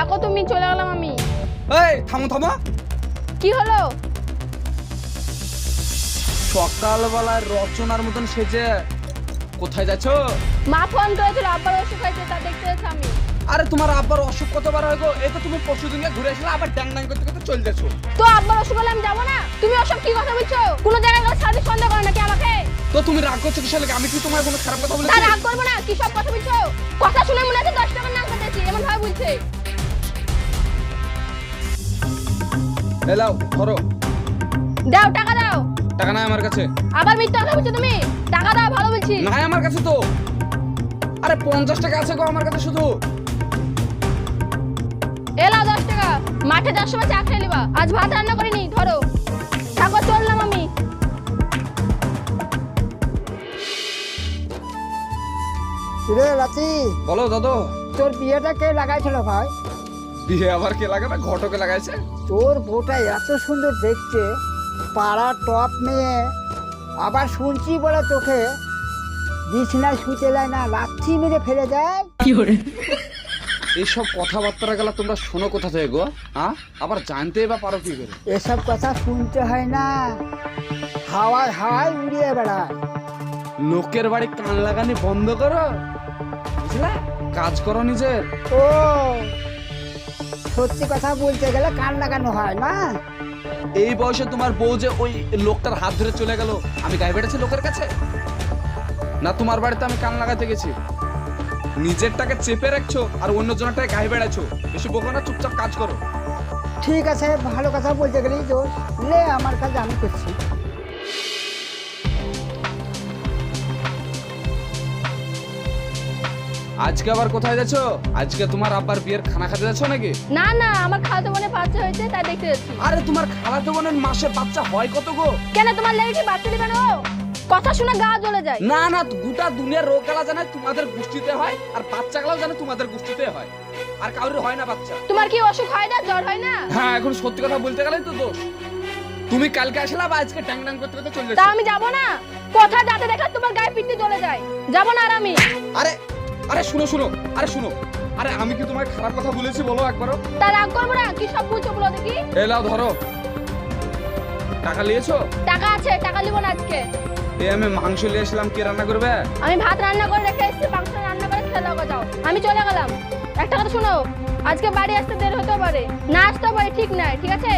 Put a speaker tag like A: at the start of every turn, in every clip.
A: থাকো তুমি, চলে গেলাম আমি।
B: এই থামো থামো।
A: কি হলো?
B: সকালবেলায় রচনার মতন সেজে কোথায় যাচ্ছ?
A: মা ফোন করেছিল, আব্বার অসুখ হয়েছে, তা দেখতে যাচ্ছি আমি।
B: আরে তোমার আব্বার অসুখ কতবার হয় গো? এই তো তুমি পরশুদিন ঘুরে আসলে আবার ড্যাং ড্যাং করতে করতে চলে যাচ্ছ।
A: তো আব্বার অসুখ হলে আমি যাবো না? তুমি ওসব কি কথা বলছো? কোন জায়গায় গেলে সারাদিন সন্দেহ করে নাকি আমাকে?
B: তো তুমি রাগ করছো কিসের লাগে? আমি কি তোমার কোনো খারাপ কথা
A: তা
B: বলেছি?
A: রাগ করবো না, কি সব কথা বলছো? কথা শুনে মনে হচ্ছে 10 টাকার নাম কাটেছি, এমন ভাবে বলছে।
B: এলাও ধরো।
A: দাও, টাকা দাও।
B: টাকা নাই আমার কাছে।
A: আবার মিথ্যা কথা বলছো তুমি। টাকা দাও, ভালো বলছি।
B: নাই আমার কাছে তো। আরে 50 টাকা আছে গো আমার কাছে শুধু।
A: এলাও 10 টাকা। মাঠে যাওয়ার সময় চা খেয়ে নিবা। আজ ভাত রান্না করিনি, ধরো। থাকো, চললাম আমি।
C: রে রাতি,
B: বলো দাদু।
C: তোর বিয়েটা কে লাগাইছিল ভাই?
B: বিয়ে আবার কে লাগাবে? ঘটকে লাগাইছে।
C: তোর বউটা এত সুন্দর দেখতে, পাড়া টপ মেয়ে, আবার শুনছি বলে তোকে বিছনায় শুতে দেয় না, লাথি মেরে ফেলে দেয়।
B: এইসব কথাবার্তা গেলা তোমরা শোনো কোথা থেকে গো? হ্যাঁ, আবার জানতেই বা পারো কি করে?
C: এসব কথা শুনতে হয় না, হাওয়ায় হাওয়ায় উড়িয়ে বেড়ায়।
B: লোকের বাড়ি কান লাগানি বন্ধ করো, বুঝলা? কাজ করো নিজের।
C: ও, সত্যি কথা বলতে গেলে কান লাগানো হয় না।
B: এই বয়সে তোমার বউ যে ওই লোকটার হাত ধরে চলে গেল, আমি গায়ে বেড়েছি লোকের কাছে? না তোমার বাড়িতে আমি কান লাগাতে গেছি? নিজেরটাকে চেপে রাখছো আর অন্য জনটাকে গায়ে বেড়াচ্ছো। বেশি বকো না, চুপচাপ কাজ করো।
C: ঠিক আছে, ভালো কথা বলতে গেলেই দোষ। লে, আমার কাছে আমি করছি।
B: আজকে আবার কোথায় যাচ্ছ? আজকে তোমার আব্বার বিয়ের খানা খেতে যাচ্ছ নাকি?
A: না না, আমার খালাতো বোনের বাচ্চা হয়েছে, তাই দেখতে যাচ্ছি।
B: আরে তোমার খালাতো বোনের মাসে বাচ্চা হয় কত গো?
A: কেন, তোমার লেগে কি বাচ্চা দিবে না? কথা শুনে গা জ্বলে যায়।
B: না না, গোটা দুনিয়ার রোগ গেলা জানে তোমাদের গোষ্ঠীতে হয়, আর বাচ্চা গেলাও জানে তোমাদের গোষ্ঠীতে হয়, আর কারোর হয় না বাচ্চা।
A: তোমার কি অসুখ হয় না, জ্বর হয় না?
B: হ্যাঁ, এখন সত্যি কথা বলতে গেলেই তো দোষ। তুমি কালকে আসলা বা আজকে ট্যাং ট্যাং করতে করতে চলে
A: তা
B: যাচ্ছ।
A: আমি যাবো না? কথা যাতে দেখলে তোমার গায়ে পিঠে জ্বলে যায়, যাবো না আর আমি।
B: আরে আরে শুনো শুনো, আরে শুনো, আরে আমি কি তোমার খারাপ কথা বলেছি বলো একবারও?
A: তা রাগ করবো না, কি সব বলছো বলো দেখি।
B: এলাও ধরো। টাকা নিয়েছো?
A: টাকা আছে, টাকা নিবো না আজকে।
B: এই আমি মাংস নিয়ে আসলাম, কে রান্না করবে?
A: আমি ভাত রান্না করে রেখে এসেছি, মাংস রান্না করে খেয়ে দাও, যাও। আমি চলে গেলাম। একটা কথা শোনো, আজকে বাড়ি আসতে দেরি হতে পারে, না আসতে পারে, ঠিক নাই, ঠিক আছে?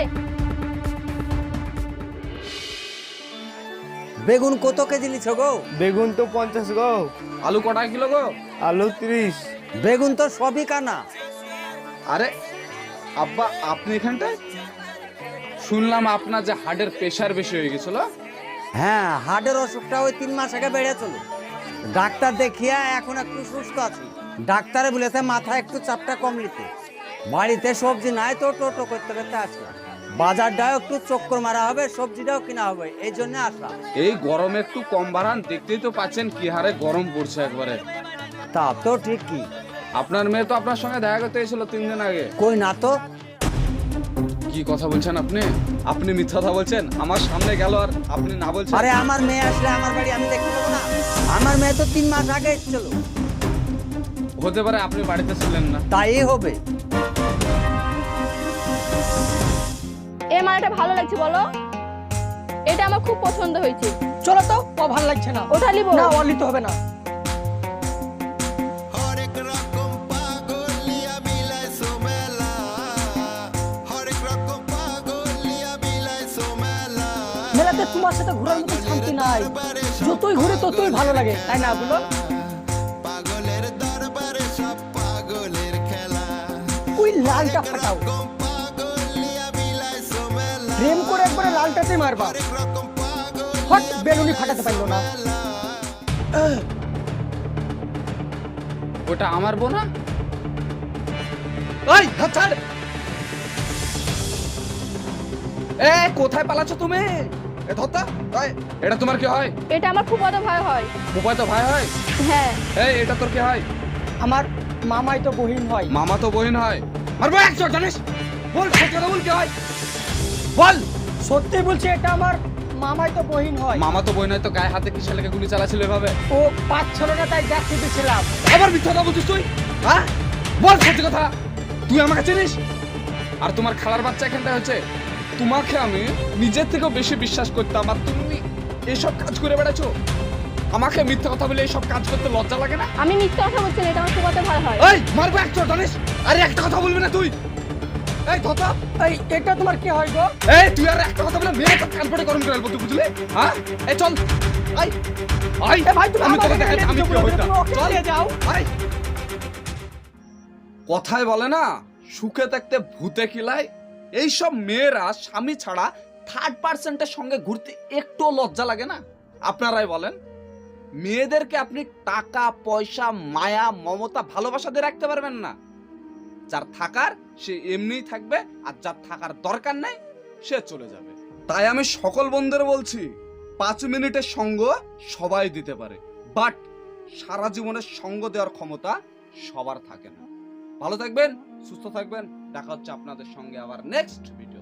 D: বেগুন কত কেজি নিছ গো?
E: বেগুন তো 50 গো।
B: আলু কটা কিলো গো?
E: আলু 30।
D: বেগুন তো সবই কানা।
B: আরে আব্বা, আপনি এখানটায়? শুনলাম আপনার যে হার্টের প্রেশার বেশি হয়ে গেছিল।
D: হ্যাঁ, হার্টের অসুখটা ওই 3 মাস আগে বেড়েছিল। ডাক্তার দেখিয়া এখন একটু সুস্থ আছি। ডাক্তারে বলেছে মাথায় একটু চাপটা কম নিতে। বাড়িতে সবজি নাই তো টোটো করতে করতে আসলাম। বাজারটাও একটু চক্কর মারা হবে, সবজিটাও কিনা হবে, এই জন্য আসলাম।
B: এই গরমে একটু কম বাড়ান, দেখতেই তো পাচ্ছেন কি হারে গরম পড়ছে একবারে।
D: তা তো ঠিকই।
B: আপনার মেয়ে তো আপনার সঙ্গে দেখা করতে এসেছিল 3 দিন আগে।
D: কই না তো।
B: কি কথা বলছেন আপনি? আপনি মিথ্যা কথা বলছেন। আমার সামনে গেল আর আপনি না বলছেন?
D: আরে আমার মেয়ে আসলে আমার বাড়ি আমি দেখতে পাবো না? আমার মেয়ে তো 3 মাস আগে এসেছিল।
B: হতে পারে আপনি বাড়িতে ছিলেন না।
D: তাই হবে।
A: এই মালাটা ভালো লাগছে বলো? এটা আমার খুব পছন্দ হয়েছে।
C: চলো তো, ও ভালো লাগছে না।
A: ওটা নিবো
C: না, ও নিতে হবে না।
F: হরেক রকম পাগলিয়া বিলায় সোমেলা, হরেক রকম পাগলিয়া বিলায় সোমেলা।
C: মেলাতে তোমার সাথে ঘোরার মতো শান্তি নাই, যতই ঘুরে ততই ভালো লাগে, তাই না বলো?
F: পাগলের দরবারে সব পাগলের খেলা।
C: ওই লালটা ফাটাও,
F: রকম পাগলিয়া বিলায় সোমেলা,
C: প্রেম করে একবারে লালটাতে মারবা।
F: হরেক রকম পাগল
C: হট, বেলুনি ফাটাতে পারলো না।
B: ওটা আমার বোন না? এই হাত ছাড়। এ কোথায় পালাচ্ছ তুমি? এ ধরতা, এই এটা তোমার কি হয়?
A: এটা আমার খুব বড় ভয় হয়।
B: বুপাই তো ভাই হয়।
A: হ্যাঁ।
B: এই এটা তোর কি হয়?
C: আমার মামাই তো বহিন হয়।
B: মামা তো বোন হয়। মারবো একশো, জানিস? বল সত্যি কথা বল, কি হয় বল।
C: সত্যি বলছি, এটা আমার মামাই তো বহিন হয়।
B: মামা তো বোন হয়, তো গায়ে হাতে কি ছেলেকে গুলি চালাচ্ছিল এভাবে?
C: ও পাঁচ ছিল না, তাই দেখতে দিয়েছিলাম।
B: আবার মিথ্যা কথা বলছিস তুই? হ্যাঁ, বল সত্যি কথা। তুই আমাকে চিনিস? আর তোমার খালার বাচ্চা এখানটায় হচ্ছে, তোমাকে আমি নিজের থেকেও বেশি বিশ্বাস করতাম, আর তুমি এসব কাজ করে বেড়াচ্ছো। আমাকে মিথ্যা কথা বলে এইসব কাজ করতে লজ্জা লাগে না?
A: আমি মিথ্যে কথা বলছি না, এটা আমার শুকাতে ভালো হয়।
B: এই মারবো একটা জানিস? আরে একটা কথা বলবি না তুই? এই ধতা,
C: এই এটা তোমার কি হয় গো?
B: এই তুই আর একটা কথা বলে মেয়ে তো কান পড়ে গরম করে ফেলবো, তুই বুঝলি? হ্যাঁ, এই চল, আই আই,
C: ভাই, তুমি
B: আমি তোকে
C: আমাকে
B: দেখাচ্ছি আমি কি
C: বলে
B: হইতাম।
C: তুমি ওকে
B: চল
C: নিয়ে যাও।
B: আই। কথায় বলে না, সুখে থাকতে ভূতে কিলায়। এইসব মেয়েরা স্বামী ছাড়া থার্ড পার্সেন্টের সঙ্গে ঘুরতে একটু লজ্জা লাগে না? আপনারাই বলেন। মেয়েদেরকে আপনি টাকা পয়সা মায়া মমতা ভালোবাসা দিয়ে রাখতে পারবেন না। যার থাকার সে এমনিই থাকবে, আর যার থাকার দরকার নেই সে চলে যাবে। তাই আমি সকল বন্ধুদের বলছি, 5 মিনিটের সঙ্গ সবাই দিতে পারে, বাট সারা জীবনের সঙ্গ দেওয়ার ক্ষমতা সবার থাকে না। ভালো থাকবেন, সুস্থ থাকবেন, দেখা হচ্ছে আপনাদের সঙ্গে আবার নেক্সট ভিডিও।